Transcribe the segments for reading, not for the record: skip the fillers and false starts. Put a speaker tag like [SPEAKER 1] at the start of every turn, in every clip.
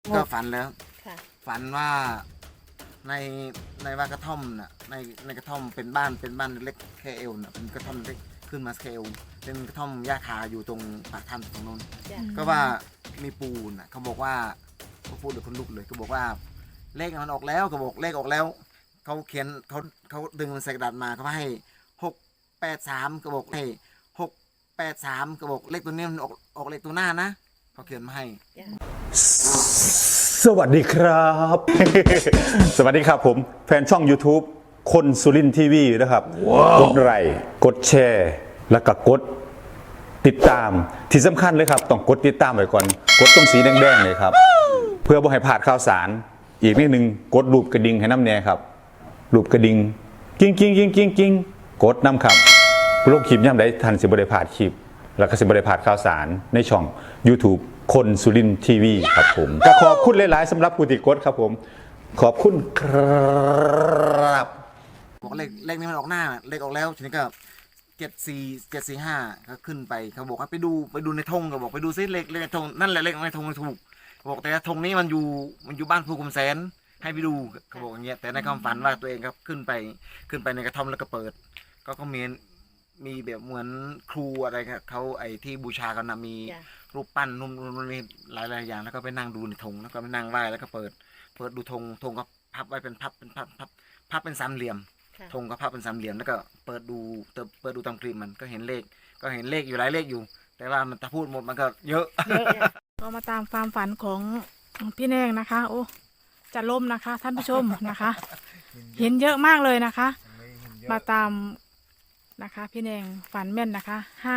[SPEAKER 1] ก็ฝันแล้ว
[SPEAKER 2] ค่ะ
[SPEAKER 1] ฝันว่าในในว่ากระท่อมน่ะในกระท่อมเป็นบ้านเล็กแค่เอวน่ะเป็นกระท่อมเล็กขึ้นมาแค่เอวเป็นกระท่อมหญ้าคาอยู่ตรงปากถ้ำตรงนู้น
[SPEAKER 2] จ้ะ
[SPEAKER 1] ก็ว่ามีปูน่ะเขาบอกว่าเขาพูดเดี๋ยวคนลุกเลยเขาบอกว่าเลขมันออกแล้วเขาบอกเลขออกแล้วเขาเขียนเขาดึงมันใส่กระดาษมาเขาให้683เขาบอกให้683เขาบอกเลขตัวนี้มันออกเลขตัวหน้านะเขาเขียนมาให้
[SPEAKER 2] จ้ะ
[SPEAKER 3] สวัสดีครับ สวัสดีครับผมแฟนช่อง YouTube คนสุรินทีวีนะครับ กดไลค์กดแชร์ แล้วก็กดติดตามที่สำคัญเลยครับต้องกดติดตามไว้ก่อนกดตรงสีแดงๆเลยครับ เพื่อบ่ให้พลาดข่าวสารอีกนิดนึงกดรูปกระดิ่งให้น้ำแน่ครับรูปกระดิ่งกิ้งกิ้งกิ้งกิ้งกิ้งกดน้ำครับโลกคลิปย่ำได้ทันสิบริพลาดคลิป แล้วก็สิบริพลาดข่าวสารในช่อง YouTube คนสุรินทีวีครับผมก็ขอบคุณหลายๆสำหรับผู้ติดกดครับผมขอบคุณครับ
[SPEAKER 1] บอกเลขนี้มันออกหน้าเลขออกแล้วทีนี้ก็74745ก็ขึ้นไปเขาบอกว่าไปดูในธงก็บอกไปดูซิเลขในธงนั่นแหละเลขในธงถูกบอกแต่ธงนี้มันอยู่บ้านภูคุมแสนให้ไปดูเขาบอกอย่างเงี้ยแต่ในความฝันว่าตัวเองครับขึ้นไปในกระท่อมแล้วก็เปิดก็มีแบบเหมือนครูอะไรครับเขาไอ้ที่บูชากันนะมี
[SPEAKER 2] จ้ะ
[SPEAKER 1] รูปปั้นนุ่มมีหลายอย่างแล้วก็ไปนั่งดูในธงแล้วก็ไปนั่งไหว้แล้วก็เปิดดูธงก็พับไว้เป็นพับเป็นสามเหลี่ยม
[SPEAKER 2] ค่ะ
[SPEAKER 1] ธงก็พับเป็นสามเหลี่ยมแล้วก็เปิดดูตามคลิปมันก็เห็นเลขอยู่หลายเลขอยู่ แต่ว่ามันถ้าพูดหมดมันก็เยอะ
[SPEAKER 2] เยอะจ้ะ
[SPEAKER 4] ก็มาตามความฝันของพี่แนงนะคะ โอ้จะล่มนะคะ ท่านผู้ชมนะคะ เห็นเยอะมากเลยนะคะ มาตามนะคะ พี่แนงฝันแม่นนะคะ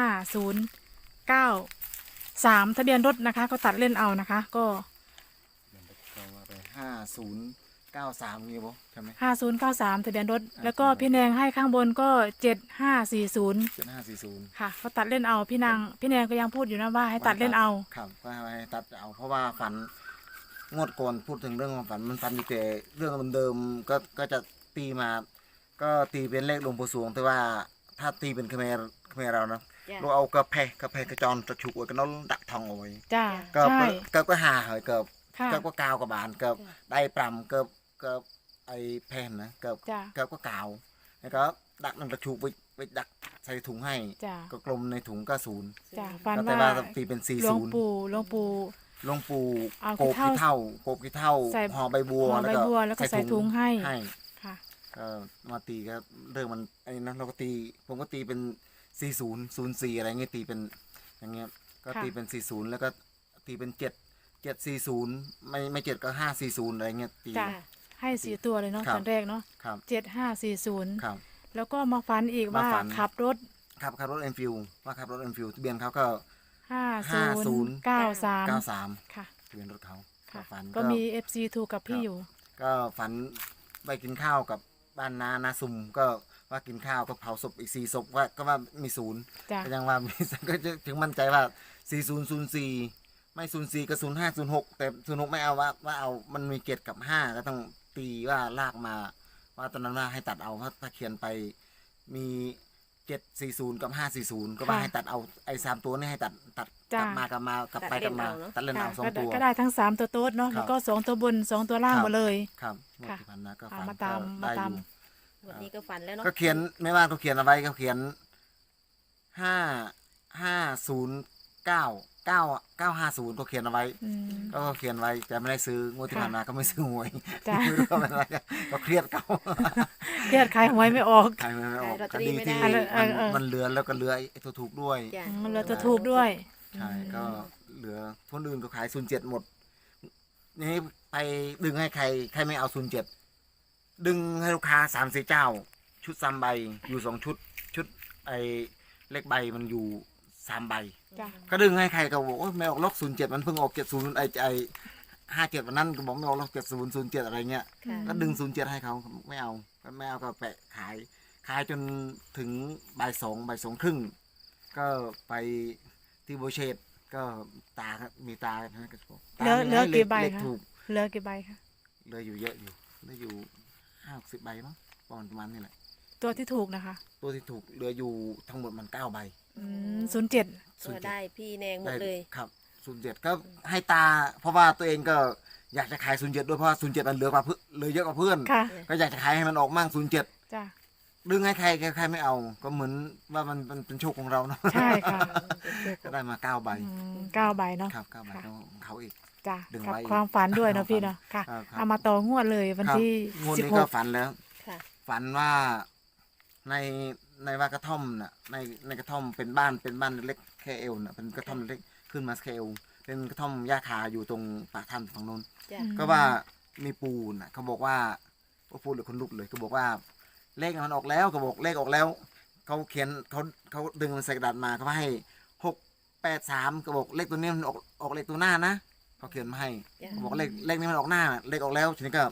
[SPEAKER 4] 5093ทะเบียนรถนะคะ ก็ตัดเล่นเอานะคะ ก็
[SPEAKER 1] 5093นี่บ่ใช่ไหม
[SPEAKER 4] 5093ทะเบียนรถ แล้วก็พี่แนงให้ข้างบนก็7540
[SPEAKER 1] 7540
[SPEAKER 4] ค่ะก็ตัดเล่นเอาพี่แนงก็ยังพูดอยู่นะว่าให้ตัดเล่นเอา
[SPEAKER 1] ครับก็ให้ตัดเอาเพราะว่าฝันงวดก่อนพูดถึงเรื่องของฝันมันฝันอยู่แต่เรื่องเดิมๆก็จะตีมา ก็ตีเป็นเลขหลวงปู่สวงแต่ว่าถ้าตีเป็นเขมรเรานะ
[SPEAKER 2] จ้ะ
[SPEAKER 1] เราเอากระเพกระจรตะฉุกไว้ก็น้องดักทองเอาไว้
[SPEAKER 4] จ้า
[SPEAKER 1] ก็
[SPEAKER 4] ใช่
[SPEAKER 1] ก็หาเหยเกิบ
[SPEAKER 4] ค่ะ
[SPEAKER 1] ก็กาวกับบานเกิบได้ปรำเกิบไอ้แผ่นนะเกิบ
[SPEAKER 4] จ้า
[SPEAKER 1] ก็กาวแล้วก็ดักนั่นตะฉุกไว้ดักใส่ถุงให้
[SPEAKER 4] จ้า
[SPEAKER 1] ก็กลมในถุงก็ศูนย์
[SPEAKER 4] จ้าฝัน
[SPEAKER 1] แต่
[SPEAKER 4] ว่า
[SPEAKER 1] ว่าตีเป็น
[SPEAKER 4] หลวง
[SPEAKER 1] 40
[SPEAKER 4] ปู่
[SPEAKER 1] หลวงปู่
[SPEAKER 4] เอา
[SPEAKER 1] โกบขี้เท่า
[SPEAKER 4] ใส่
[SPEAKER 1] ห่อใบบัว
[SPEAKER 4] ห่อใบบัวแล้วก็ใส่ถุงให้ ค่ะ
[SPEAKER 1] ก็มาตีก็เรื่องมันไอ้นั้นเราก็ตีผมก็ตีเป็น4004อะไรเงี้ยตีเป็นอย่างเงี้ยก็
[SPEAKER 4] ค่ะ
[SPEAKER 1] ตีเป็น40แล้วก็ตีเป็น740ไม่7ก็540อะไรเงี้ยตี
[SPEAKER 4] จ้าให้4ตัวเลยเนาะ
[SPEAKER 1] ครับ
[SPEAKER 4] ตอนแรกเนาะ
[SPEAKER 1] ครับ
[SPEAKER 4] 7540
[SPEAKER 1] ครับ
[SPEAKER 4] แล้วก็มาฝันอีกว่า
[SPEAKER 1] มาฝัน
[SPEAKER 4] ขับรถ
[SPEAKER 1] ขับรถเอ็นฟิวว่าขับรถเอ็นฟิวทะเบียนเขาก็
[SPEAKER 4] 5093
[SPEAKER 1] 93
[SPEAKER 4] ค่ะ
[SPEAKER 1] ทะเบียนรถเขา
[SPEAKER 4] ค่ะ
[SPEAKER 1] ฝัน
[SPEAKER 4] ก็มี FC ถูกกับพี่อยู่
[SPEAKER 1] ก็ฝันไปกินข้าวกับบ้านนาซุ่มก็ว่ากินข้าวก็เผาศพอีก4ศพว่ามีศูนย์
[SPEAKER 4] จ้ะ
[SPEAKER 1] ก็ยังว่ามี ก็จะถึงมั่นใจว่า4004ไม่04ก็0506แต่06ไม่เอาว่าเอามันมี7กับ5ก็ต้องตีว่าลากมา ว่าตอนนั้นว่าให้ตัดเอาเพราะถ้าเขียนไปมี740กับ540ก็ว่า
[SPEAKER 4] ค่ะ
[SPEAKER 1] ให้ตัดเอาไอ้3ตัวนี่ให้ตัดก
[SPEAKER 4] จ้ะ
[SPEAKER 1] ลับมากลับไปกลับมาตัดเล่นเอา
[SPEAKER 4] ค่ะ
[SPEAKER 1] สอง
[SPEAKER 4] ก็
[SPEAKER 1] ตัว
[SPEAKER 4] ก็ได้ทั้ง3ตัวโต๊ดเนาะ
[SPEAKER 1] ครับ
[SPEAKER 4] แล้วก็2ตัวบน2ตัวล่างหมดเลย
[SPEAKER 1] ครับงวด
[SPEAKER 4] ค่ะ
[SPEAKER 1] ที่ผ่านมาก็
[SPEAKER 4] อ่า
[SPEAKER 1] ฝัน
[SPEAKER 4] มาตาม
[SPEAKER 1] ก็ได้
[SPEAKER 4] มาตาม
[SPEAKER 1] อยู่
[SPEAKER 2] วันนี้ก็ฝันแล้วเนาะ
[SPEAKER 1] ก็เขียนไม่ว่าเขาเขียนอะไรเขาเขียน5509950ก็เขียนเอาไว้
[SPEAKER 4] อืม
[SPEAKER 1] ก็เขียนไว้แต่ไม่ได้ซื้องวดที่
[SPEAKER 4] ค่ะ
[SPEAKER 1] ผ่านมาก็ไม่ซื้อหวย
[SPEAKER 4] จ้ะ
[SPEAKER 1] ไม่รู้ว่าเป็นอะไรก็เครียดเขา
[SPEAKER 4] เครียดขายหวยไม่ออก
[SPEAKER 1] ขายไม่ออก
[SPEAKER 2] ขายลอตเต
[SPEAKER 1] ค
[SPEAKER 2] อรี่
[SPEAKER 1] ดี
[SPEAKER 2] ไม่
[SPEAKER 1] ที่
[SPEAKER 2] ได้
[SPEAKER 1] มันเหลือแล้วก็เหลือไอ้ตัวถูกด้วย
[SPEAKER 2] จ้ะ
[SPEAKER 4] มันเลยจะถูกด้วย
[SPEAKER 1] ใช่ก็เหลือคนอื่นก็ขาย07หมดนี่ไปดึงให้ใครไม่เอา07ดึงให้ลูกค้า3-4เจ้า ชุด3ใบอยู่2ชุดไอ้เลขใบมันอยู่3ใบ
[SPEAKER 4] จ้ะ
[SPEAKER 1] ก็ดึงให้ใครก็บอกว่าไม่ออกล็อก07มันเพิ่งออก70ไอ้57วันนั้นก็บอกไม่ออกล็อก7007อะไรเงี้ย
[SPEAKER 2] ค่ะ
[SPEAKER 1] ก็ดึง07ให้เขาไม่เอาก็แปะขายจนถึงบ่ายสองครึ่งก็ไปที่โบเชตก็มีตานะก็บอกตา
[SPEAKER 4] เหลือกี่ใบ
[SPEAKER 1] เลข
[SPEAKER 4] คะ
[SPEAKER 1] ถูก
[SPEAKER 4] เหลือกี่ใบคะ
[SPEAKER 1] เหลืออยู่เยอะอยู่เหลืออยู่50ใบมั้งประมาณนี้แหละ
[SPEAKER 4] ตัวที่ถูกนะคะ
[SPEAKER 1] ตัวที่ถูกเหลืออยู่ทั้งหมดมัน9ใบ
[SPEAKER 4] 07
[SPEAKER 2] ก็ได้พี่แนงหมดเลย
[SPEAKER 1] ครับ07ก็ให้ตาเพราะว่าตัวเองก็อยากจะขาย07ด้วยเพราะว่า07มันเหลือกว่าเพื่อนเหลือเยอะกว่าเพื่อน
[SPEAKER 4] ค่ะ
[SPEAKER 1] ก็อยากจะขายให้มันออกมั่ง07
[SPEAKER 4] จ้ะ
[SPEAKER 1] ดึงให้ใครไม่เอา ก็เหมือนว่ามันเป็นโชคของเราเนาะ
[SPEAKER 4] ใช่ค่ะ
[SPEAKER 1] ก็ได้มา9 ใบ
[SPEAKER 4] 9 ใบเนาะ
[SPEAKER 1] ครับ9 ใบ
[SPEAKER 4] ค่ะ
[SPEAKER 1] ของเขาอีก
[SPEAKER 4] จ้ะ
[SPEAKER 1] ดึง
[SPEAKER 4] กับ
[SPEAKER 1] ไว้อีก
[SPEAKER 4] ความฝันด้วยเนาะพี่เนาะค่ะ
[SPEAKER 1] ครับ
[SPEAKER 4] เอามาต่องวดเลยวันที่
[SPEAKER 1] งวดนี้ก็ฝันแล้ว
[SPEAKER 2] ค่ะ
[SPEAKER 1] ฝันว่าในว่ากระท่อมน่ะในกระท่อมเป็นบ้านเล็กแค่เอวน่ะเป็นกระท่อมเล็กขึ้นมาแค่เอวเป็นกระท่อมหญ้าคาอยู่ตรงปากถ้ำฝั่งโน้น
[SPEAKER 2] จ้ะ
[SPEAKER 1] ก็ว่ามีปูน่ะเขาบอกว่าพูดเลยคนลุกเลยเขาบอกว่าเลขมันออกแล้วเขาบอกเลขออกแล้วเขาเขียนเขาดึงมันใส่กระดาษมาเขาให้683เขาบอกเลขตัวนี้มันออกเลขตัวหน้านะเขาเขียนมาให้
[SPEAKER 2] จ้ะ
[SPEAKER 1] เขาบอกเลขนี้มันออกหน้าเลขออกแล้วทีนี้ก็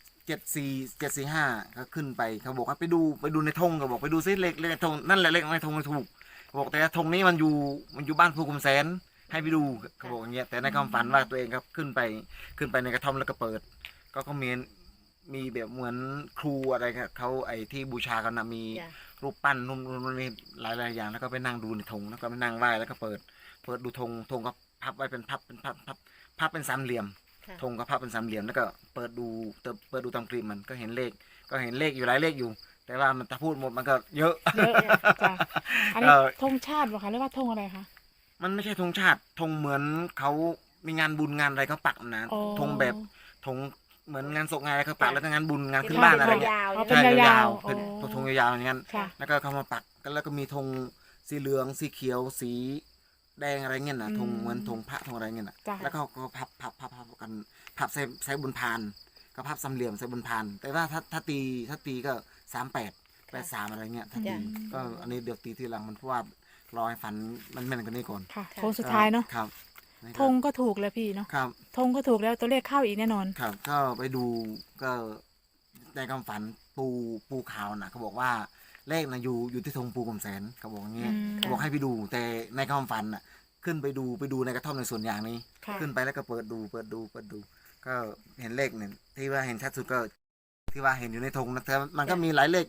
[SPEAKER 1] 74745ก็ขึ้นไปเขาบอกว่าไปดูในธงเขาบอกไปดูซิเลขในธงนั่นแหละเลขในธงมันถูกเขาบอกแต่ธงนี้มันอยู่บ้านภูคุมแสนให้ไปดูเขาบอกอย่างเงี้ยแต่ในความฝันว่าตัวเองครับขึ้นไปในกระท่อมแล้วก็เปิด ก็มีแบบเหมือนครูอะไรครับเขาไอ้ที่บูชากันนะมี
[SPEAKER 2] จ้ะ
[SPEAKER 1] รูปปั้นนู่นนี่หลายอย่างแล้วก็ไปนั่งดูในธงแล้วก็ไปนั่งไหว้แล้วก็เปิดดูธงก็พับไว้เป็นพับเป็นสามเหลี่ยม
[SPEAKER 2] ค่ะ
[SPEAKER 1] ธงก็พับเป็นสามเหลี่ยมแล้วก็เปิดดูตามกรีมมันก็เห็นเลขอยู่หลายเลขอยู่ แต่ว่ามันถ้าพูดหมดมันก็เยอะ
[SPEAKER 4] เยอะจ้ะอันนี้ธงชาติป่ะคะหรือว่าธงอะไรคะ
[SPEAKER 1] มันไม่ใช่ธงชาติธงเหมือนเขามีงานบุญงานอะไรเขาปักนะ
[SPEAKER 4] อ๋อ
[SPEAKER 1] ธงแบบธงเหมือนงานศพงานอะไรเขาปักแล้วก็งานบุญงาน
[SPEAKER 2] เป็น
[SPEAKER 1] ขึ้นบ้านอะไร
[SPEAKER 2] ธง
[SPEAKER 1] เงี้ย
[SPEAKER 2] ยาวๆ
[SPEAKER 4] อ๋อ
[SPEAKER 2] ใช่
[SPEAKER 4] เป็น
[SPEAKER 2] ไหม
[SPEAKER 4] ยาว
[SPEAKER 1] เป็น
[SPEAKER 4] อ๋อ
[SPEAKER 1] ธงยาวๆอย่างนั้น
[SPEAKER 4] ค่ะ
[SPEAKER 1] แล้วก็เขามาปักแล้วก็มีธงสีเหลืองสีเขียวสีแดงอะไรเงี้ยนะธงเหมือนธงพระธงอะไรเงี้ยนะ
[SPEAKER 4] จ้ะ
[SPEAKER 1] แล้วก็เขาก็พับกันพับใส่บนพานก็พับสามเหลี่ยมใส่บนพาน แต่ว่าถ้าตีก็38 83อะไรเงี้ยถ้าตี
[SPEAKER 2] จ้ะ
[SPEAKER 1] ก็อันนี้เดี๋ยวตีทีหลังมันเพราะว่ารอให้ฝันมันแม่นกว่านี้ก่อน
[SPEAKER 4] ค่ะโค้งสุดท้ายเนาะ
[SPEAKER 1] ครับ
[SPEAKER 4] ธงก็ถูกแล้วพี่เนาะ
[SPEAKER 1] ครับ
[SPEAKER 4] ธงก็ถูกแล้วตัวเลขเข้าอีกแน่นอน
[SPEAKER 1] ครับก็ไปดูก็ในความฝันปูขาวนะเขาบอกว่าเลขนะอยู่ที่ธงปูกลมแสนเขาบอกอย่างเงี้ย
[SPEAKER 4] อืม
[SPEAKER 1] เขาบอกให้ไปดู แต่ในความฝันน่ะขึ้นไปดูในกระท่อมในสวนยางนี้
[SPEAKER 4] ค่ะ
[SPEAKER 1] ขึ้นไปแล้วก็เปิดดู ก็เห็นเลขเนี่ยที่ว่าเห็นชัดสุดก็ที่ว่าเห็นอยู่ในธงนะแต่มันก็มีหลายเลข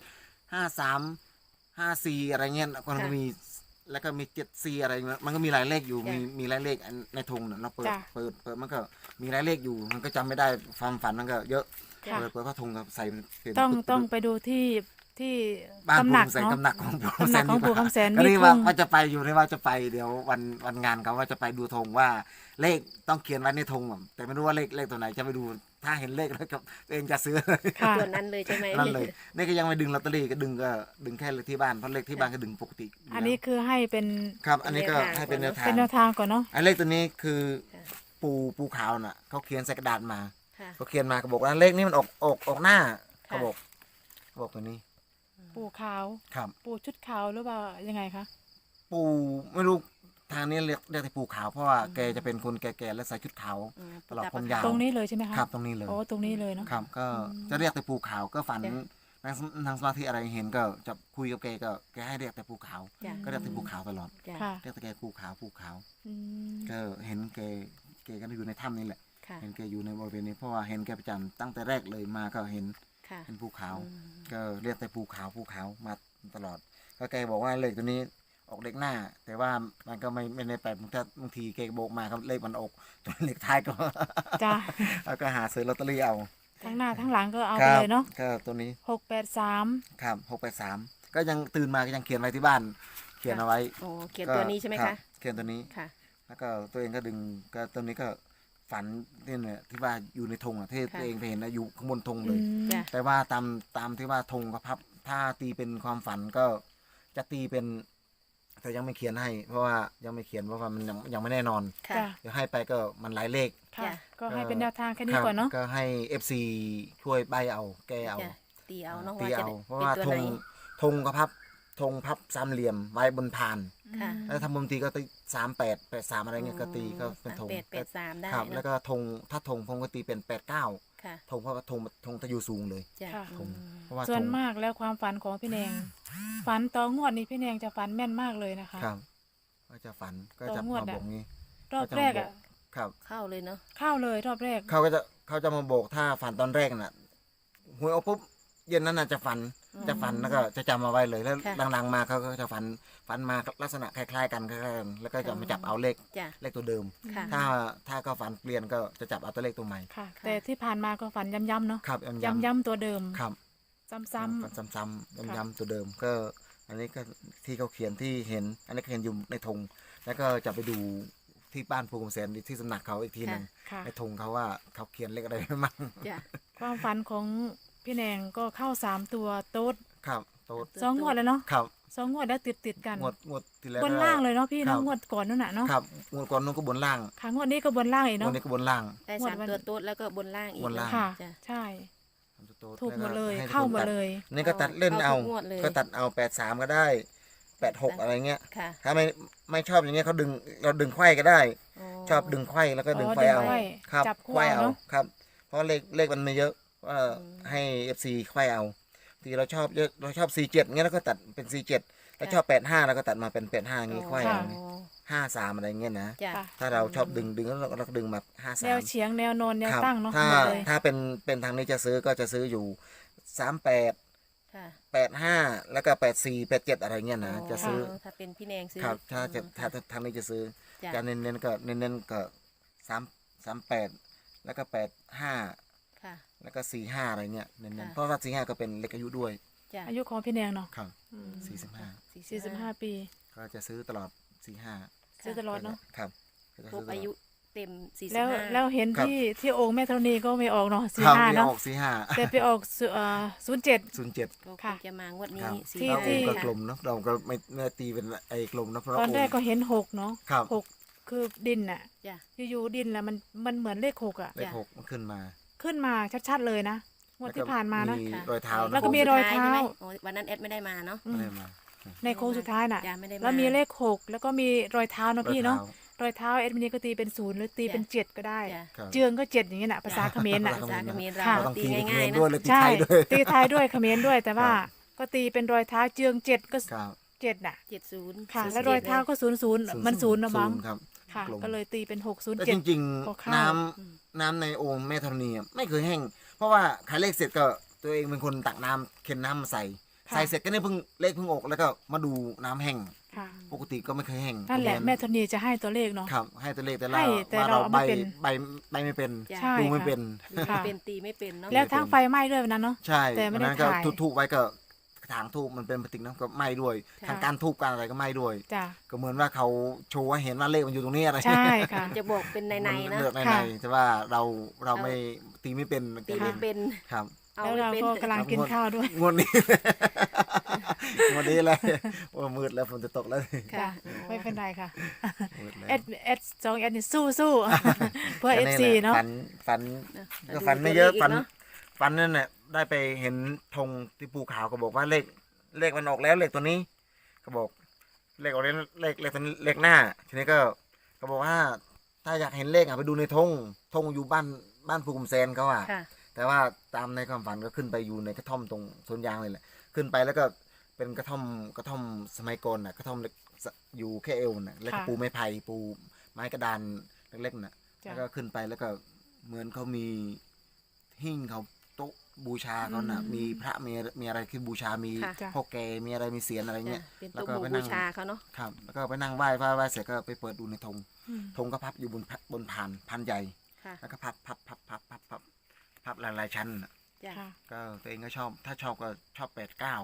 [SPEAKER 1] 53 54อะไรเงี้ยมันก็มีแล้วก็มี74อะไรเงี้ยมันก็มีหลายเลขอยู่มีหลายเลขในธงน่ะเราเปิด
[SPEAKER 4] จ้ะ
[SPEAKER 1] เปิดมันก็มีหลายเลขอยู่มันก็จำไม่ได้ความฝันมันก็เยอะ
[SPEAKER 4] ค่ะ
[SPEAKER 1] เปิดพระธงกับใส่เป็น
[SPEAKER 4] ต้องไปดูที่
[SPEAKER 1] บ้าน
[SPEAKER 4] ตำ
[SPEAKER 1] ปู่
[SPEAKER 4] หนัก
[SPEAKER 1] คำแสน
[SPEAKER 4] เนาะ
[SPEAKER 1] ตำหนักของปู่
[SPEAKER 4] ตำหนักของปู่คำแสน
[SPEAKER 1] ก็
[SPEAKER 4] มี
[SPEAKER 1] นี่
[SPEAKER 4] ธ
[SPEAKER 1] ว่าง ว่าจะไปอยู่นี่ว่าจะไปเดี๋ยววันงานเขาว่าจะไปดูธงว่าเลขต้องเขียนไว้ในธงอะแต่ไม่รู้ว่าเลขตัวไหนจะไปดูถ้าเห็นเลขแล้วก็ตัวเองจะซื้อ
[SPEAKER 4] ค่ะ
[SPEAKER 2] ตัวนั้นเลยใช่ไหม
[SPEAKER 1] นั่นเลยนี่ก็ยังไม่ดึงลอตเตอรี่ก็ดึงแค่เลขที่บ้านเพราะเลขที่บ้านก็ดึงปกติยู่
[SPEAKER 4] อันนี้คือให้เป็น
[SPEAKER 1] ครับ อันนี้ก็ให้เป็นแนวทาง
[SPEAKER 4] เป็นแนวทางก่อนเนาะ
[SPEAKER 1] ไอ้เลขตัวนี้คือปูขาวน่ะเขาเขียนใส่กระดาษมา
[SPEAKER 2] ค่ะ
[SPEAKER 1] เขาเขียนมาเขาบอกว่าเลขนี้มันออกหน้าเขาบอกตัวนี้
[SPEAKER 4] ปู่ขาว
[SPEAKER 1] ครับ
[SPEAKER 4] ปู่ชุดขาวหรือว่ายังไงคะ
[SPEAKER 1] ปูไม่รู้ทางนี้เรียกแต่ปูขาวเพราะว่าแกจะเป็นคนแก่ๆและใส่ชุดขาว
[SPEAKER 2] อืม
[SPEAKER 1] ตลอดผมยาว
[SPEAKER 4] ตรงนี้เลยใช่ไหมคะ
[SPEAKER 1] ครับตรงนี้เลย
[SPEAKER 4] โอ้ตรงนี้เลยเนาะ
[SPEAKER 1] ครับก็จะเรียกแต่ปูขาวก็ฝัน
[SPEAKER 2] จ้ะ
[SPEAKER 1] นางสมาธิอะไรเห็นก็จะคุยกับแกก็แกให้เรียกแต่ปูขาว
[SPEAKER 2] จ้ะ
[SPEAKER 1] ก็เรียกแต่ปูขาวตลอด
[SPEAKER 2] จ้ะ
[SPEAKER 4] ค่ะ
[SPEAKER 1] เรียกแต่แกปูขาว
[SPEAKER 4] อืม
[SPEAKER 1] ก็เห็นแกก็อยู่ในถ้ำนี่แหละ
[SPEAKER 2] ค่ะ
[SPEAKER 1] เห็นแกอยู่ในบริเวณนี้เพราะว่าเห็นแกประจำตั้งแต่แรกเลยมาก็เห็น
[SPEAKER 2] ค่ะ
[SPEAKER 1] เป็นภูเขา
[SPEAKER 2] อืม
[SPEAKER 1] ก็เรียกแต่ภูเขามาตลอด ก็แกบอกว่าเลขตัวนี้ออกเลขหน้า แต่ว่ามันก็ไม่ได้แปลกบางทีแกโบกมาครับเลขมันออกตัวเลขท้ายก็
[SPEAKER 4] จ้ะ
[SPEAKER 1] แล้วก็หาซื้อลอตเตอรี่เอา
[SPEAKER 4] ทั้งหน้าทั้งหลังก็เอา
[SPEAKER 1] ค
[SPEAKER 4] ไป
[SPEAKER 1] รับ
[SPEAKER 4] เลยเนาะ
[SPEAKER 1] ก็ตัวนี้
[SPEAKER 4] 683
[SPEAKER 1] ครับ683ก็ยังตื่นมาก็ยังเขียนไว้ที่บ้าน เขียนเอาไว้
[SPEAKER 2] โอ้เขียนตัวนี้ใช่ไหม
[SPEAKER 1] รั
[SPEAKER 2] คะ
[SPEAKER 1] บเขียนตัวนี้
[SPEAKER 2] ค่ะ
[SPEAKER 1] แล้วก็ตัวเองก็ดึงก็ตัวนี้ก็ฝันที่เนี่ยที่ว่าอยู่ในธงอ่ะที่
[SPEAKER 2] ค่ะ
[SPEAKER 1] ตัวเองไปเห็นนะอยู่ข้างบนธง
[SPEAKER 4] อื
[SPEAKER 1] เลย
[SPEAKER 4] ม
[SPEAKER 2] จ้ะ
[SPEAKER 1] แต่ว่าตามที่ว่าธงก็พับถ้าตีเป็นความฝันก็จะตีเป็นแต่ยังไม่เขียนให้ เพราะว่ายังไม่เขียนเพราะว่ามันยังไม่แน่นอน
[SPEAKER 2] ค่ะ
[SPEAKER 4] จ้ะ
[SPEAKER 1] เดี๋ยวให้ไปก็มันหลายเลข
[SPEAKER 4] ค่ะ
[SPEAKER 2] จ้ะ
[SPEAKER 4] ก็ให้เป็นแนวทางแค่นี้
[SPEAKER 1] ครับ
[SPEAKER 4] ก่อนเนาะ
[SPEAKER 1] ก็ให้ FC ช่วยใบเอาแกเอา
[SPEAKER 2] จ้ะตีเอาเนาะ
[SPEAKER 1] ตี
[SPEAKER 2] ว่าจะ
[SPEAKER 1] เอา
[SPEAKER 2] ได้
[SPEAKER 1] เพราะ
[SPEAKER 2] เป็น
[SPEAKER 1] ว่า
[SPEAKER 2] ตัว
[SPEAKER 1] ธ
[SPEAKER 2] ไหน
[SPEAKER 1] งก็ธงพับสามเหลี่ยมไว้บนพาน
[SPEAKER 2] ค่ะ
[SPEAKER 1] แล้วทำมุมตีก็ตี38 83อะไรเงี้ยก็ตีก็เป็นธง
[SPEAKER 2] 38 83ได้
[SPEAKER 1] ครับ
[SPEAKER 2] เนอะ
[SPEAKER 1] แล้วก็ธงถ้าธงผมก็ตีเป็น89
[SPEAKER 2] ค่ะ
[SPEAKER 1] ธงเพราะว่าธงจะอยู่สูงเลย
[SPEAKER 2] จ้ะ
[SPEAKER 4] ค่ะ
[SPEAKER 1] ธงเพราะว่า
[SPEAKER 4] ส่วน
[SPEAKER 1] ธง
[SPEAKER 4] มากแล้วความฝันของพี่แนง ฝันต่องวดนี้พี่แนงจะฝันแม่นมากเลยนะคะ
[SPEAKER 1] ครับก็จะฝันก็จะ
[SPEAKER 4] ต่องวด
[SPEAKER 1] มา
[SPEAKER 4] อะ
[SPEAKER 1] บอกงี้
[SPEAKER 4] รอบแรกอ่ะ
[SPEAKER 1] ครับ
[SPEAKER 2] เข้าเลยเนาะ
[SPEAKER 4] เข้าเลยรอบแรก
[SPEAKER 1] เขาจะมาบอกถ้าฝันตอนแรกน่ะหวยออกปุ๊บเย็นนั้นน่ะจะฝัน
[SPEAKER 4] อ
[SPEAKER 1] จะฝันแล้วก็จะจำเอาไว้เลยแล้ว
[SPEAKER 2] ค่ะ
[SPEAKER 1] หลังๆมาเขาก็จะฝันมาลักษณะคล้ายๆกันแล้วก็จะมาจับเอาเลข
[SPEAKER 2] จ้ะ
[SPEAKER 1] เลขตัวเดิม
[SPEAKER 2] ค่ะ
[SPEAKER 1] ถ้าก็ฝันเปลี่ยนก็จะจับเอาตัวเลขตัวใหม่
[SPEAKER 4] ค่ะ แต่ที่ผ่านมาก็ฝันย้ำๆเนาะ
[SPEAKER 1] ครับ
[SPEAKER 4] ย้ำๆตัวเดิม
[SPEAKER 1] ครับ
[SPEAKER 4] ซ้ำ
[SPEAKER 1] ซ้ำๆย้ำๆตัวเดิมก็ อันนี้ก็ที่เขาเขียนที่เห็น อันนี้ก็เห็นอยู่ในธงแล้วก็จะไปดูที่บ้านภูมิแสนที่สำนักเขาอีกทีหนึ่ง
[SPEAKER 4] ๆค่ะ
[SPEAKER 1] ในธงเขาว่าเขาเขียนเลขอะไรมั่ง
[SPEAKER 2] จ้ะ
[SPEAKER 4] ความฝันของพี่แนงก็เข้า3ตัวโต๊ด
[SPEAKER 1] ครับโต๊ด
[SPEAKER 4] 2 งวดแล้วเนาะ
[SPEAKER 1] ครับ
[SPEAKER 4] 2 งวดแล้วติดกัน
[SPEAKER 1] งวดที่แล้ว
[SPEAKER 4] บนล่างเลยเนาะพี่
[SPEAKER 1] ครั
[SPEAKER 4] เนาะ
[SPEAKER 1] บ
[SPEAKER 4] งวดก่อนนั่นน่ะเนาะ
[SPEAKER 1] ครับงวดก่อนนู้นก็บนล่าง
[SPEAKER 4] ค่ะงวดนี้ก็บนล่างอีก
[SPEAKER 1] งว
[SPEAKER 4] เนาะ
[SPEAKER 1] ดนี้ก็บนล่าง
[SPEAKER 2] ได้
[SPEAKER 4] งวด
[SPEAKER 2] 3
[SPEAKER 4] วัน
[SPEAKER 2] ตัวโต๊ดแล้วก็บนล่างอีก
[SPEAKER 1] บนล่าง
[SPEAKER 4] ค่ะ
[SPEAKER 2] จ้ะ
[SPEAKER 4] ใช่
[SPEAKER 1] โต๊ด
[SPEAKER 4] ถูกหมดเลย
[SPEAKER 1] แวก็ให้
[SPEAKER 4] เข้าหมด
[SPEAKER 1] ตั
[SPEAKER 4] เลย
[SPEAKER 1] นี่ก็ตัดเล่นเอา
[SPEAKER 2] เข้าทุกงวดเลย
[SPEAKER 1] ก็ตัดเอา83ก็ได้86อะไรเงี้ย
[SPEAKER 2] ค่ะ
[SPEAKER 1] ถ้าไม่ชอบอย่างเงี้ยเขาเราดึงไขว้ก็ได้ ชอบดึงไขว้แล้วก็ดึงไขว้เอา
[SPEAKER 4] ดึงไขว้
[SPEAKER 1] ครับ
[SPEAKER 4] จับคู่
[SPEAKER 1] ไขว้
[SPEAKER 4] เอา
[SPEAKER 1] เอา
[SPEAKER 4] เนอะ
[SPEAKER 1] ครับ เพราะเลขมันไม่เยอะก็ให้ FC ไขว้เอาทีเราชอบเยอะเราชอบ47เงี้ยแล้วก็ตัดเป็น47แล้วชอบ85แล้วก็ตัดมาเป็น85อย่างงี้ไขว้เอา
[SPEAKER 2] อ๋อ
[SPEAKER 1] 53อะไรเงี้ยนะ
[SPEAKER 2] จ้ะ
[SPEAKER 4] ค่ะ
[SPEAKER 1] ถ้าเราชอบดึงแล้วเราก็ดึงมา
[SPEAKER 4] แนว
[SPEAKER 1] 53
[SPEAKER 4] เฉียงแนวนอนแนว
[SPEAKER 1] ครับ
[SPEAKER 4] ตั้งเนาะ
[SPEAKER 1] ถ้า
[SPEAKER 4] หมดเลย
[SPEAKER 1] ถ้าเป็นทางนี้จะซื้อก็จะซื้ออยู่38
[SPEAKER 2] ค่ะ
[SPEAKER 1] 85แล้วก็84 87อะไรเงี้ยนะจะซื้อ
[SPEAKER 2] ถ้าเป็นพี่แนงซื้อ
[SPEAKER 1] ครับถ้าทางนี้จะซื้อ
[SPEAKER 2] จ้ะ
[SPEAKER 1] จะเน้นก็38แล้วก็85
[SPEAKER 2] ค่ะ
[SPEAKER 1] แล้วก็45อะไรเงี้ยเน้น
[SPEAKER 2] ค่ะ
[SPEAKER 1] ๆเพราะว่า45ก็เป็นเลขอายุด้วย
[SPEAKER 2] จ้ะ
[SPEAKER 4] อายุของพี่แนงเนาะ
[SPEAKER 1] ครับ
[SPEAKER 4] อืม
[SPEAKER 1] 45
[SPEAKER 4] 45 ปี
[SPEAKER 1] ก็จะซื้อตลอด45
[SPEAKER 4] ซื้อตลอดเนาะ
[SPEAKER 1] ครับ
[SPEAKER 2] ครบอายุเต็ม45
[SPEAKER 4] แล้วเห็น
[SPEAKER 1] ครับ
[SPEAKER 4] ที่องค์แม่ธรณีก็ไม่ออกเนาะ
[SPEAKER 1] ครับ
[SPEAKER 4] 45
[SPEAKER 1] ที่
[SPEAKER 4] เนาะ
[SPEAKER 1] ออก45
[SPEAKER 4] แต่ไปออก07
[SPEAKER 1] 07
[SPEAKER 2] ก็ค
[SPEAKER 4] ค่ะ
[SPEAKER 2] งจะมางวด
[SPEAKER 1] ครั
[SPEAKER 2] นี้
[SPEAKER 1] บ
[SPEAKER 2] สี่
[SPEAKER 4] ที่
[SPEAKER 1] เรา
[SPEAKER 2] ห้า
[SPEAKER 1] องค์ก็
[SPEAKER 2] ค่ะ
[SPEAKER 1] กลมเนาะเราก็ไม่ตีเป็นไอ้กลมเนาะเพราะ
[SPEAKER 4] ตอนแรก
[SPEAKER 1] งค์
[SPEAKER 4] ก็เห็น6เนาะ
[SPEAKER 1] ครับ
[SPEAKER 4] 6คือดินน่ะ
[SPEAKER 2] จ้ะ
[SPEAKER 4] อยู่ๆดินแหละมันเหมือนเลข6อ่ะ
[SPEAKER 1] เลข6มันขึ้นมา
[SPEAKER 4] ขึ้นมาชัดๆเลยนะงวดที่ผ่านมานะ
[SPEAKER 1] มีรอยเท้านะ
[SPEAKER 4] แล้วก็มีรอยเท้า
[SPEAKER 2] ใช่ไหมโอ้วันนั้นแอดไม่ได้มาเนาะ
[SPEAKER 4] อืม
[SPEAKER 1] อะไรมา
[SPEAKER 4] ในโค้งสุดท้ายน่ะ
[SPEAKER 2] จ้ะไม่ได้มา
[SPEAKER 4] แล้วมีเลข6แล้วก็มีรอยเท้าเนาะพี่เนาะ
[SPEAKER 1] รอยท้
[SPEAKER 4] รอยเท้าเอ็ดมินีก็ตีเป็น0หรือตีเป็น7ก็ได้
[SPEAKER 2] จ้ะ
[SPEAKER 1] ครับ
[SPEAKER 4] เจืองก็7อย่างเงี้ยน่ะภาษาเขมรน่ะ
[SPEAKER 2] ภาษาเขมรเรา
[SPEAKER 4] ค่ะ
[SPEAKER 1] เราต้อง
[SPEAKER 2] ตี
[SPEAKER 1] ตีเป็น
[SPEAKER 2] ง่าย
[SPEAKER 1] เขมร
[SPEAKER 2] ๆ
[SPEAKER 1] ด้วย
[SPEAKER 2] นะ
[SPEAKER 1] เลยตี
[SPEAKER 4] ใช่
[SPEAKER 1] ไทยด้วย
[SPEAKER 4] ตีไทยด้วยเขมรด้วยแต่ว่า
[SPEAKER 1] ครับ
[SPEAKER 4] ก็ตีเป็นรอยเท้าเจือง7ก็
[SPEAKER 1] ครับ
[SPEAKER 4] 7น่ะ
[SPEAKER 2] 70
[SPEAKER 4] ค่ะ แล้วรอยเท้าก็00มัน0นะมั้ง
[SPEAKER 1] ครับ
[SPEAKER 4] ค่ะ
[SPEAKER 1] กลม
[SPEAKER 4] ก็เลยตีเป็น
[SPEAKER 1] แต่จริง
[SPEAKER 4] ก็
[SPEAKER 1] ๆ
[SPEAKER 4] เข้า
[SPEAKER 1] น้ำในโอ่งแม่ธรณีอะไม่เคยแห้ง เพราะว่าขายเลขเสร็จก็ตัวเองเป็นคนตักน้ำเค็นน้ำมาใส่
[SPEAKER 4] ค่ะ
[SPEAKER 1] ใส่เสร็จก็เนี่ยเพิ่งเลขเพิ่งออกแล้วก็มาดูน้ำแห้ง
[SPEAKER 4] ค่ะ
[SPEAKER 1] ปกติก็ไม่เคยแห้ง
[SPEAKER 4] นั่นแหละ
[SPEAKER 1] เพรา
[SPEAKER 4] แม่
[SPEAKER 1] ฉ
[SPEAKER 4] ธรณีจะให้ตัวเลขเนาะ
[SPEAKER 1] ครับ ให้ตัวเลขแต่
[SPEAKER 4] ให้
[SPEAKER 1] เรา
[SPEAKER 4] แต่
[SPEAKER 1] ว่า
[SPEAKER 4] เรา
[SPEAKER 1] เรา
[SPEAKER 4] เอา
[SPEAKER 1] ใบ
[SPEAKER 4] ไม่เป็น
[SPEAKER 1] ใบไม่เป็น
[SPEAKER 2] จ้ะ
[SPEAKER 4] ใช่
[SPEAKER 1] ดูไม่
[SPEAKER 4] ค่ะ
[SPEAKER 1] เป็น
[SPEAKER 2] ดูไม่เป็นตีไม่เป็นเนาะ
[SPEAKER 4] แล้วทั้งไฟไหม้ด้วยวันนั้นเนาะ
[SPEAKER 1] ใช่
[SPEAKER 4] แต่ไม่ได้
[SPEAKER 1] วันนั้นก็
[SPEAKER 4] ถ่าย
[SPEAKER 1] ทูบไว้ก็ถางทูบมันเป็นพลาสติกเนอะก็ไหม้ด้วย
[SPEAKER 2] ค่ะ
[SPEAKER 1] ทางการทูบการอะไรก็ไหม้ด้วย
[SPEAKER 4] จ้ะ
[SPEAKER 1] ก็เหมือนว่าเขาโชว์ให้เห็นว่าเลขมันอยู่ตรงนี้อะไร
[SPEAKER 4] ใช่ค่ะ
[SPEAKER 2] จะบอกเป็นในๆ
[SPEAKER 1] มั
[SPEAKER 2] นะ
[SPEAKER 1] เลือกใน
[SPEAKER 4] ค่ะ
[SPEAKER 1] แต่ว่าเราไม่ตีไม่เป็น
[SPEAKER 2] ตีไม่เป็น
[SPEAKER 1] ครับ
[SPEAKER 2] เอา
[SPEAKER 4] แล้ว
[SPEAKER 2] ไม่
[SPEAKER 4] เรา
[SPEAKER 2] เป็น
[SPEAKER 4] ก็กำลังกินข้าวด้วย
[SPEAKER 1] งวดนี้ งวดนี้เลยโอ้มืดแล้วฝนจะตกแล้ว
[SPEAKER 2] ค่ะ
[SPEAKER 4] ไม่เป็นไรค่ะ
[SPEAKER 1] มืดแล้ว
[SPEAKER 4] เอสสองเอสนี่สู้ เพื่อเอฟซีเนาะ
[SPEAKER 1] ฝัน
[SPEAKER 2] นะ
[SPEAKER 1] ก็ฝันไม่เยอะ
[SPEAKER 2] ดู
[SPEAKER 1] ฝัน
[SPEAKER 2] ตัวลขกเนาะ
[SPEAKER 1] ฝันนั่นแหละได้ไปเห็นธงที่ภูเขาก็บอกว่าเลขมันออกแล้วเลขตัวนี้ก็บอกเลขออกแล้วเลขตัวนี้เลขหน้า ทีนี้ก็บอกว่า ถ้าอยากเห็นเลขไปดูในธงอยู่บ้านภูกุมแซนเขาอ่ะ
[SPEAKER 2] ค่ะ
[SPEAKER 1] แต่ว่าตามในความฝันก็ขึ้นไปอยู่ในกระท่อมตรงสวนยางเลยแหละขึ้นไปแล้วก็เป็นกระท่อมสมัยก่อนน่ะกระท่อมเล็กอยู่แค่เอวน่ะแล้วก็
[SPEAKER 4] ค่ะ
[SPEAKER 1] ปูไม้ไผ่ปูไม้กระดานเล็กๆน่ะ
[SPEAKER 4] จ้ะ
[SPEAKER 1] แล้วก็ขึ้นไปแล้วก็เหมือนเขามีหิ้งเขาโต๊ะบูชาเขาน่ะ
[SPEAKER 4] อืม
[SPEAKER 1] มีพระมีอะไรคือบูชามี
[SPEAKER 2] ค่ะ
[SPEAKER 4] จ้ะ
[SPEAKER 1] พ่อแกมีอะไรมีเสียนอะไรเงี้ย
[SPEAKER 2] เป็น
[SPEAKER 1] แล้ว
[SPEAKER 2] ตู้
[SPEAKER 1] ก็
[SPEAKER 2] หมู่
[SPEAKER 1] ไปนั่
[SPEAKER 2] บู
[SPEAKER 1] ง
[SPEAKER 2] ชาเขาเนาะ
[SPEAKER 1] ครับแล้วก็ไปนั่งไหว้เสร็จก็ไปเปิดดูในธง
[SPEAKER 4] อืม
[SPEAKER 1] ธงก็พับอยู่บนพันใหญ่
[SPEAKER 2] ค่ะ
[SPEAKER 1] แล้วก็พับหลายๆชั้นน่ะ
[SPEAKER 2] จ้ะ
[SPEAKER 4] ค่ะ
[SPEAKER 1] ก็ตัวเองก็ชอบถ้าชอบก็ชอบ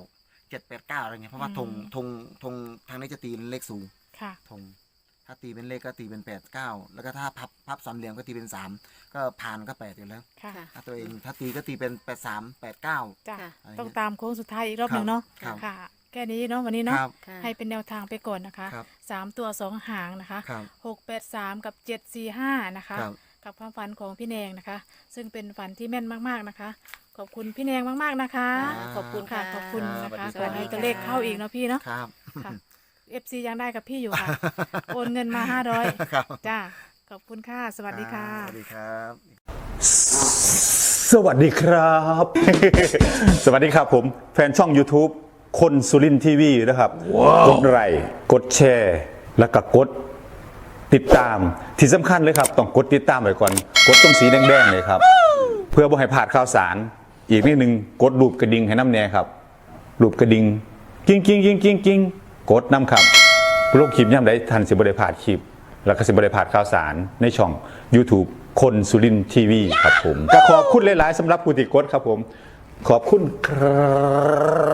[SPEAKER 1] 789อะไรเงี้ยเพราะว่า
[SPEAKER 4] อื
[SPEAKER 1] ธ
[SPEAKER 4] ม
[SPEAKER 1] งทางนี้จะตีเป็นเลขสูง
[SPEAKER 4] ค่ะ
[SPEAKER 1] ธงถ้าตีเป็นเลขก็ตีเป็น89แล้วก็ถ้าพับสามเหลี่ยมก็ตีเป็น3ก็ผ่านก็8อยู่แล้ว
[SPEAKER 4] ค่ะ
[SPEAKER 2] ค่ะ
[SPEAKER 1] ถ้าตัวเองถ้าตีก็ตีเป็น83 89
[SPEAKER 4] จ้ะ
[SPEAKER 2] ค่ะ
[SPEAKER 4] ต้องตามโค้งสุดท้ายอีกรอบหนึ่งเนาะ
[SPEAKER 1] ครับ
[SPEAKER 4] ค่ะ แค่นี้เนาะวันนี้
[SPEAKER 1] ค
[SPEAKER 4] เนาะ
[SPEAKER 1] รับ
[SPEAKER 2] ค่ะ
[SPEAKER 4] ให้เป็นแนวทางไปก่อนนะคะ
[SPEAKER 1] ครับ
[SPEAKER 4] 3 ตัว 2 หางนะคะ
[SPEAKER 1] ครับ
[SPEAKER 4] 683 กับ 745 นะคะ
[SPEAKER 1] ครับ
[SPEAKER 4] กับความฝันของพี่แนงนะคะ ซึ่งเป็นฝันที่แม่นมากๆนะคะ ขอบคุณพี่แนงมากๆนะคะ
[SPEAKER 2] ขอบคุณ
[SPEAKER 4] ค่ะ
[SPEAKER 2] ค่ะ
[SPEAKER 4] ขอบคุณนะคะ
[SPEAKER 1] ส
[SPEAKER 4] ข
[SPEAKER 1] วั
[SPEAKER 4] อ
[SPEAKER 1] สดี
[SPEAKER 4] ให้
[SPEAKER 1] ครับ
[SPEAKER 4] ตัวเลขเข้าอีกเนาะพี่เนาะ
[SPEAKER 1] ครับ
[SPEAKER 4] ค่ะ FC ยังได้กับพี่อยู่ค่ะ โอนเงินมา500
[SPEAKER 1] ครับ
[SPEAKER 4] จ้า ขอบคุณค่ะ สวัสดีค่ะ
[SPEAKER 1] สวัสดีครับ
[SPEAKER 3] สวัสดีครับ สวัสดีครับผมแฟนช่อง YouTube คนสุรินทีวีนะครับ กดไลค์กดแชร์ แล้วก็กดติดตามที่สำคัญเลยครับ ต้องกดติดตามไว้ก่อน กดตรงสีแดงๆเลยครับ เพื่อบ่ให้พลาดข่าวสาร อีกนิดนึงกดรูปกระดิ่งให้น้ำแน่ครับรูปกระดิ่งกิ้งกิ้งกิ้งกิ้งกิ้งกดน้ำครับลงคลิปย่ำได้ทันสิบริพลาดคลิปแล้วก็สิบริพลาดข่าวสารในช่อง YouTube คนสุรินทร์ทีวีครับผมก็ขอบคุณหลายๆสำหรับผู้ติดกดครับผมขอบคุณครับ